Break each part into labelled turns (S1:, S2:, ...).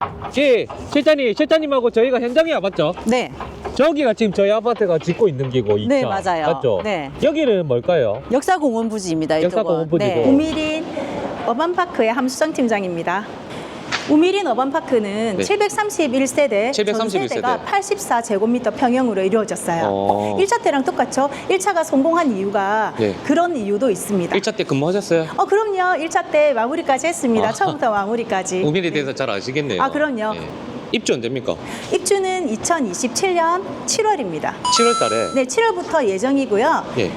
S1: 예, 실장님하고 저희가 현장에 와봤죠?
S2: 네,
S1: 저기가 지금 저희 아파트가 짓고 있는 기고 2차.
S2: 네, 맞아요.
S1: 맞죠?
S2: 네.
S1: 여기는 뭘까요?
S2: 역사공원 부지입니다. 이쪽은.
S1: 역사공원 부지고.
S2: 네, 우미린 어반파크의 함수정 팀장입니다. 우미린 어반파크는
S1: 네.
S2: 731세대,
S1: 731세대.
S2: 전 세대가 84제곱미터 평형으로 이루어졌어요. 1차 때랑 똑같죠? 1차가 성공한 이유가
S1: 네.
S2: 그런 이유도 있습니다.
S1: 1차 때 근무하셨어요?
S2: 그럼요. 1차 때 마무리까지 했습니다.
S1: 아.
S2: 처음부터 마무리까지.
S1: 우민에 대해서 잘 아시겠네요.
S2: 아, 그럼요.
S1: 예. 입주 언제입니까?
S2: 입주는 2027년 7월입니다.
S1: 7월 달에.
S2: 네, 7월부터 예정이고요.
S1: 예.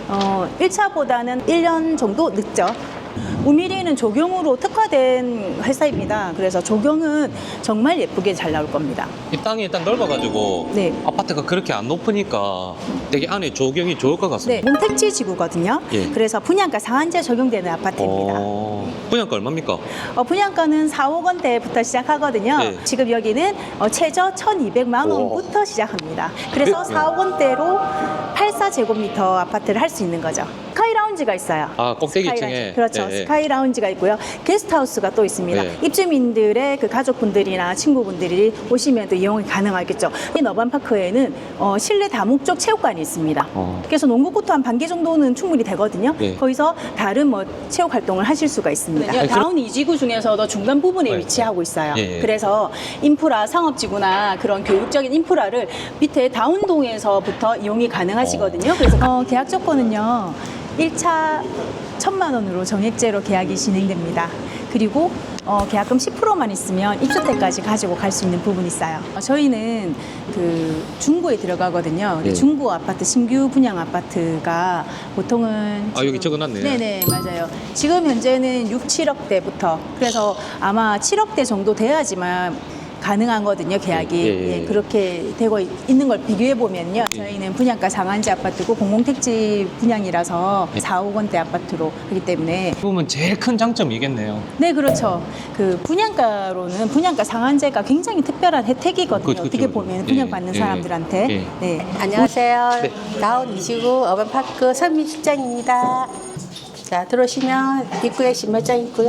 S2: 1차보다는 1년 정도 늦죠. 우미리는 조경으로 특화된 회사입니다. 그래서 조경은 정말 예쁘게 잘 나올 겁니다.
S1: 이 땅이 일단 넓어가지고
S2: 네.
S1: 아파트가 그렇게 안 높으니까 되게 안에 조경이 좋을 것
S2: 네,
S1: 같습니다.
S2: 몬택지 지구거든요.
S1: 예.
S2: 그래서 분양가 상한제 적용되는 아파트입니다.
S1: 분양가 얼마입니까?
S2: 분양가는 4억 원대부터 시작하거든요.
S1: 예.
S2: 지금 여기는 최저 1,200만
S1: 오.
S2: 원부터 시작합니다. 그래서
S1: 네.
S2: 4억 원대로 84제곱미터 아파트를 할 수 있는 거죠. 스카이 라운지가 있어요.
S1: 아, 꼭대기
S2: 스카이
S1: 2층에.
S2: 라운지. 그렇죠.
S1: 예, 예.
S2: 스카이 라운지가 있고요. 게스트하우스가 또 있습니다.
S1: 네.
S2: 입주민들의 그 가족분들이나 친구분들이 오시면 또 이용이 가능하겠죠. 이 너반파크에는 실내 다목적 체육관이 있습니다. 그래서 농구 코트 한 반 개 정도는 충분히 되거든요.
S1: 네.
S2: 거기서 다른 체육 활동을 하실 수가 있습니다. 다운 이지구 중에서도 중간 부분에
S1: 네.
S2: 위치하고 있어요.
S1: 예, 예.
S2: 그래서 인프라, 상업지구나 그런 교육적인 인프라를 밑에 다운동에서부터 이용이 가능하시거든요. 그래서 계약 조건은요. 1차 1,000만 원으로 정액제로 계약이 진행됩니다. 그리고 계약금 10%만 있으면 입주 때까지 가지고 갈 수 있는 부분이 있어요. 저희는 그 중구에 들어가거든요. 근데
S1: 예.
S2: 중구 아파트, 신규 분양 아파트가 보통은
S1: 아, 여기 적어놨네.
S2: 네네, 맞아요. 지금 현재는 6, 7억대부터 그래서 아마 7억대 정도 돼야지만 가능하거든요, 계약이.
S1: 예, 예, 예.
S2: 예, 그렇게 되고 있는 걸 비교해 보면요. 저희는 분양가 상한제 아파트고 공공택지 분양이라서
S1: 예.
S2: 4억 원대 아파트로 하기 때문에
S1: 보면 제일 큰 장점이겠네요.
S2: 네, 그렇죠. 그 분양가로는 분양가 상한제가 굉장히 특별한 혜택이거든요.
S1: 그렇죠,
S2: 어떻게
S1: 그렇죠.
S2: 보면
S1: 예,
S2: 분양받는
S1: 예,
S2: 사람들한테.
S1: 예.
S2: 네.
S3: 안녕하세요.
S1: 네.
S3: 다운 이지구 어반파크 선미 실장입니다. 자, 들어오시면 입구에 신발장 있고요.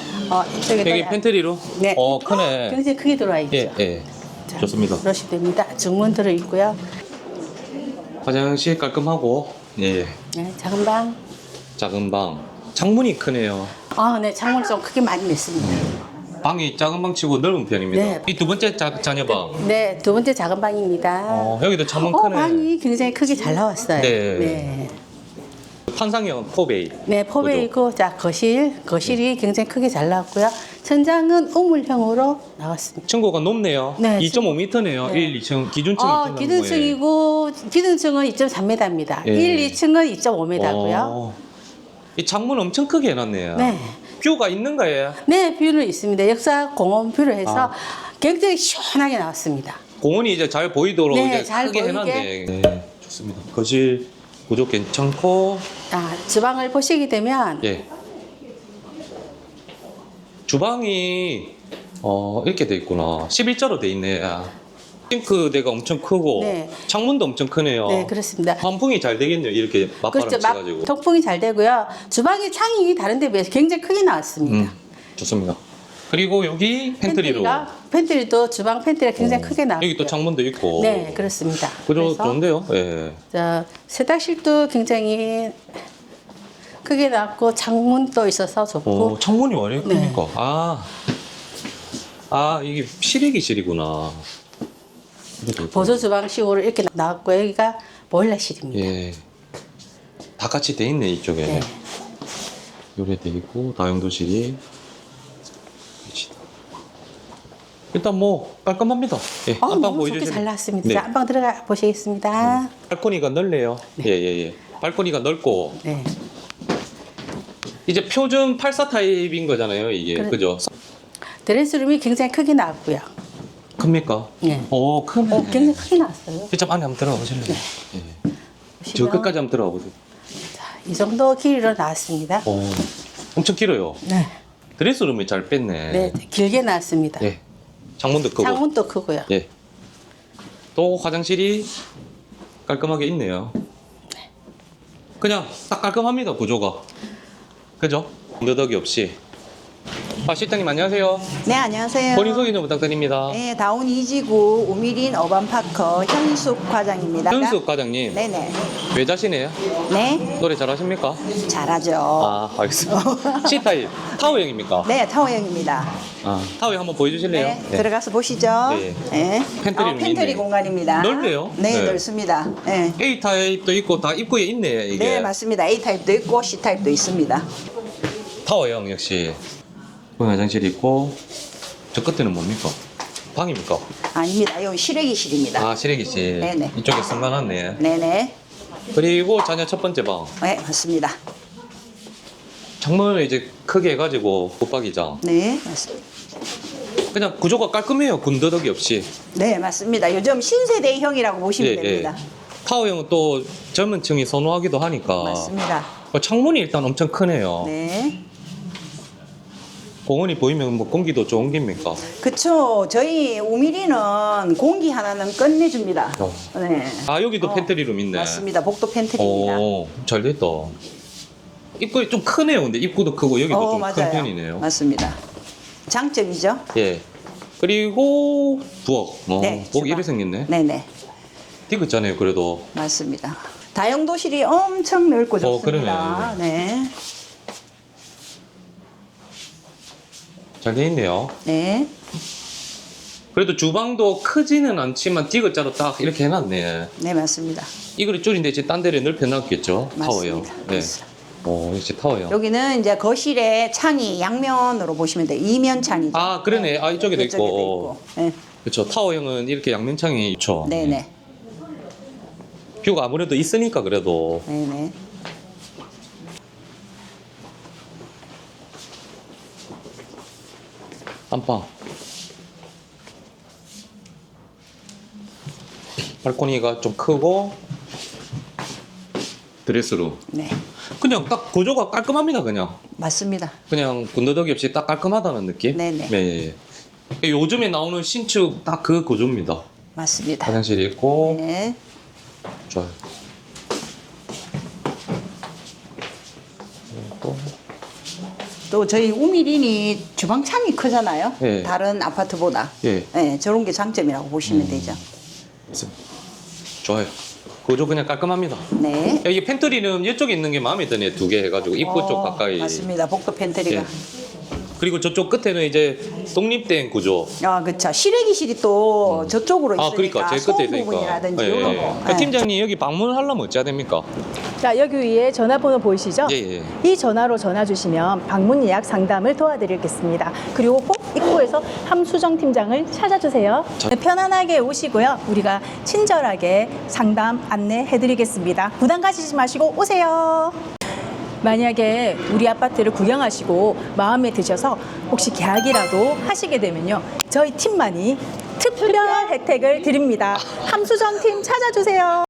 S3: 이쪽에다
S1: 여기 팬트리로?
S3: 네.
S1: 크네.
S3: 굉장히 크게 들어와 있죠.
S1: 예, 예.
S3: 자,
S1: 좋습니다.
S3: 들어오시면 됩니다. 중문 들어 있고요.
S1: 화장실 깔끔하고, 예.
S3: 네, 작은 방.
S1: 작은 방. 창문이 크네요.
S3: 네, 창문 좀 크게 많이 냈습니다.
S1: 방이 작은 방 치고 넓은 편입니다.
S3: 네.
S1: 이 두 번째 자녀방.
S3: 네, 두 번째 작은 방입니다.
S1: 여기도 창문 크네.
S3: 방이 굉장히 크게 잘 나왔어요.
S1: 네.
S3: 네.
S1: 판상형 포베이.
S3: 네, 포베이고, 자, 거실이 굉장히 크게 잘 나왔고요. 천장은 우물형으로 나왔습니다.
S1: 층고가 높네요.
S3: 네,
S1: 2.5m네요.
S3: 네.
S1: 1, 2층 기준층.
S3: 기준층이고, 기준층은 2.3m입니다.
S1: 예.
S3: 1, 2층은 2.5m고요.
S1: 이 창문 엄청 크게 해놨네요.
S3: 네.
S1: 뷰가 있는 거예요.
S3: 네, 뷰는 있습니다. 역사 공원 뷰를 해서
S1: 아.
S3: 굉장히 시원하게 나왔습니다.
S1: 공원이 이제 잘 보이도록
S3: 네,
S1: 이제
S3: 잘
S1: 크게
S3: 보이게.
S1: 해놨네. 네, 좋습니다. 거실 구조 괜찮고,
S3: 주방을 보시게 되면,
S1: 예. 주방이 이렇게 돼 있구나. 11자로 돼 있네. 싱크대가 엄청 크고
S3: 네.
S1: 창문도 엄청 크네요.
S3: 네, 그렇습니다.
S1: 환풍이 잘 되겠네요. 이렇게 맞바람
S3: 그렇죠.
S1: 쳐가지고.
S3: 통풍이 잘 되고요. 주방의 창이 다른 데 비해서 굉장히 크게 나왔습니다.
S1: 좋습니다. 그리고 여기 팬트리로.
S3: 팬트리도 주방 팬트리가 굉장히 크게 나왔고요.
S1: 여기 또 창문도 있고.
S3: 네, 그렇습니다.
S1: 그죠?
S3: 그래서
S1: 좋은데요? 예.
S3: 세탁실도 굉장히 크게 나왔고 창문도 있어서 좋고.
S1: 창문이 왜 이렇게
S3: 네.
S1: 큽니까? 이게 실외기실이구나.
S3: 보조 주방식으로 이렇게 나왔고 여기가 보일러실입니다.
S1: 예. 다 같이 돼 있네, 이쪽에.
S3: 네.
S1: 요래 돼 있고, 다용도실이. 일단 뭐, 깔끔합니다. 예. 안방
S3: 너무 좋게
S1: 보여주시면.
S3: 잘 나왔습니다.
S1: 네.
S3: 자, 안방 들어가 보시겠습니다.
S1: 발코니가 넓네요. 예. 발코니가 넓고,
S3: 네.
S1: 이제 표준 84 타입인 거잖아요, 이게.
S3: 그래.
S1: 그죠?
S3: 드레스룸이 굉장히 크게 나왔고요.
S1: 큽니까?
S3: 네.
S1: 오, 크네.
S3: 굉장히 크게 나왔어요.
S1: 직접 안에 한번 들어가 보실래요? 예. 저
S3: 보시면
S1: 끝까지 한번 들어가 보세요.
S3: 이 정도 길이로 나왔습니다.
S1: 엄청 길어요.
S3: 네.
S1: 드레스룸이 잘 뺐네.
S3: 네, 길게 나왔습니다.
S1: 예. 창문도 크고.
S3: 창문도 크고요.
S1: 예. 또 화장실이 깔끔하게 있네요. 그냥 딱 깔끔합니다, 구조가. 그죠? 너덕이 없이. 아, 실장님 안녕하세요.
S4: 네, 안녕하세요.
S1: 본인 소개 좀 부탁드립니다.
S4: 네, 다운 2지구 우미린 어반파커 현숙 과장입니다.
S1: 현숙 과장님.
S4: 네네.
S1: 외자시네요.
S4: 네,
S1: 노래 잘하십니까?
S4: 잘하죠.
S1: 아, 알겠습니다. C타입 타워형입니까?
S4: 네, 타워형입니다.
S1: 아, 타워형 한번 보여주실래요?
S4: 네, 들어가서 보시죠.
S1: 네.
S4: 네.
S1: 팬트리룸이
S4: 팬트리
S1: 있네.
S4: 공간입니다.
S1: 넓네요.
S4: 네,
S1: 네.
S4: 넓습니다. 네.
S1: A타입도 있고 다 입구에 있네, 이게.
S4: 네, 맞습니다. A타입도 있고 C타입도 있습니다.
S1: 타워형 역시. 보행 화장실이 있고, 저 끝에는 뭡니까? 방입니까?
S4: 아닙니다. 여기 실외기실입니다.
S1: 아, 실외기실.
S4: 네네.
S1: 이쪽에 승관하네.
S4: 네네.
S1: 그리고 자녀 첫 번째 방.
S4: 네, 맞습니다.
S1: 창문을 이제 크게 해가지고 붙박이장.
S4: 네, 맞습니다.
S1: 그냥 구조가 깔끔해요. 군더더기 없이.
S4: 네, 맞습니다. 요즘 신세대형이라고 보시면 됩니다.
S1: 타워형은 또 젊은 층이 선호하기도 하니까.
S4: 맞습니다.
S1: 창문이 일단 엄청 크네요.
S4: 네.
S1: 공원이 보이면 뭐 공기도 좋은 겁니까?
S4: 그쵸. 저희 우미리는 공기 하나는 끝내줍니다.
S1: 어.
S4: 네.
S1: 아, 여기도 팬트리룸 있네.
S4: 맞습니다. 복도 팬트리입니다.
S1: 오, 잘 됐다. 입구이 좀 크네요. 근데 입구도 크고 여기도 좀 큰
S4: 맞아요.
S1: 편이네요.
S4: 맞습니다. 장점이죠.
S1: 예. 그리고 부엌.
S4: 네,
S1: 부엌
S4: 주방.
S1: 이렇게 생겼네.
S4: 네네.
S1: 디귿잖아요, 그래도.
S4: 맞습니다. 다용도실이 엄청 넓고 좋습니다.
S1: 그러네.
S4: 네.
S1: 잘 돼 있네요.
S4: 네.
S1: 그래도 주방도 크지는 않지만 디귿자로 딱 이렇게 해놨네.
S4: 네, 맞습니다.
S1: 이거를 줄인데 이제 딴 데를 넓혀놨겠죠. 타워형.
S4: 맞습니다.
S1: 네. 오, 역시 타워형.
S4: 여기는 이제 거실에 창이 양면으로 보시면 돼요. 이면 창이죠.
S1: 아, 그러네. 아, 이쪽에도
S4: 이쪽에도
S1: 있고.
S4: 네.
S1: 그렇죠. 타워형은 이렇게 양면창이 있죠.
S4: 네네.
S1: 뷰가 아무래도 있으니까 그래도.
S4: 네네.
S1: 안방. 발코니가 좀 크고 드레스룸.
S4: 네.
S1: 그냥 딱 구조가 깔끔합니다.
S4: 맞습니다.
S1: 그냥 군더더기 없이 딱 깔끔하다는 느낌.
S4: 네네.
S1: 네. 요즘에 나오는 신축 딱 그 구조입니다.
S4: 맞습니다.
S1: 화장실이 있고
S4: 네.
S1: 좋아요. 그리고
S4: 또 저희 우미린이 주방 창이 크잖아요.
S1: 예.
S4: 다른 아파트보다.
S1: 예.
S4: 네, 저런 게 장점이라고 보시면 되죠.
S1: 좋아요. 구조 그냥 깔끔합니다.
S4: 네.
S1: 이게 팬트리는 이쪽에 있는 게 마음에 드네. 2개 해가지고 입구 쪽 가까이.
S4: 맞습니다. 복도 팬트리가.
S1: 예. 그리고 저쪽 끝에는 이제 독립된 구조.
S4: 아, 그렇죠. 실외기실이 또 저쪽으로 있으니까
S1: 아, 그러니까 제 끝에
S4: 소음
S1: 있으니까.
S4: 부분이라든지
S1: 예,
S4: 이런
S1: 예.
S4: 거.
S1: 그 팀장님 여기 방문하려면 어찌해야 됩니까?
S2: 자, 여기 위에 전화번호 보이시죠?
S1: 예, 예.
S2: 이 전화로 전화 주시면 방문 예약 상담을 도와드리겠습니다. 그리고 꼭 입구에서 함수정 팀장을 찾아주세요.
S1: 저-
S2: 네, 편안하게 오시고요. 우리가 친절하게 상담 안내해드리겠습니다. 부담 가지지 마시고 오세요. 만약에 우리 아파트를 구경하시고 마음에 드셔서 혹시 계약이라도 하시게 되면요. 저희 팀만이 특별 혜택을 드립니다. 함수정 팀 찾아주세요.